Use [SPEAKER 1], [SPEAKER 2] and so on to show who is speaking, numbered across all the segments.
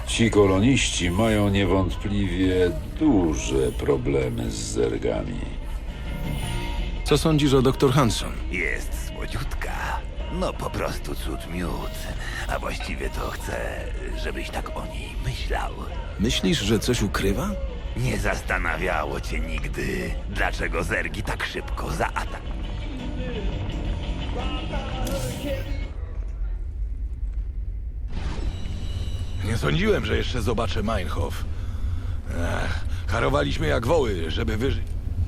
[SPEAKER 1] Ci koloniści mają niewątpliwie duże problemy z zergami.
[SPEAKER 2] Co sądzisz o dr Hanson?
[SPEAKER 3] Jest słodziutka. No po prostu cud miód. A właściwie to chcę, żebyś tak o niej myślał.
[SPEAKER 2] Myślisz, że coś ukrywa?
[SPEAKER 3] Nie zastanawiało cię nigdy, dlaczego zergi tak szybko zaatakują.
[SPEAKER 4] Nie sądziłem, że jeszcze zobaczę Meinhof. Harowaliśmy jak woły, żeby wyżyć.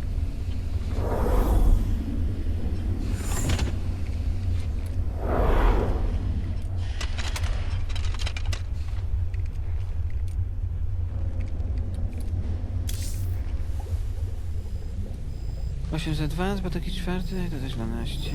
[SPEAKER 5] Za 2, bo taki 4, dodać 12.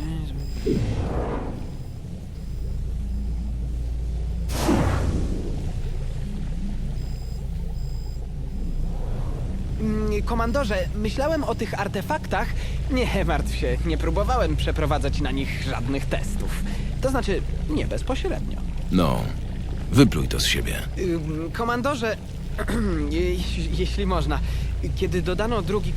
[SPEAKER 5] Komandorze, myślałem o tych artefaktach. Nie martw się, nie próbowałem przeprowadzać na nich żadnych testów. To znaczy, nie bezpośrednio.
[SPEAKER 2] No, wypluj to z siebie.
[SPEAKER 5] Komandorze, jeśli można, kiedy dodano drugi...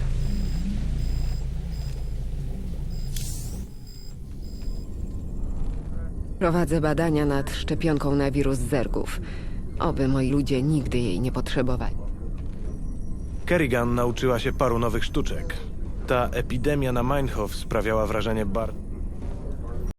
[SPEAKER 6] Prowadzę badania nad szczepionką na wirus zergów. Oby moi ludzie nigdy jej nie potrzebowali.
[SPEAKER 7] Kerrigan nauczyła się paru nowych sztuczek. Ta epidemia na Meinhof sprawiała wrażenie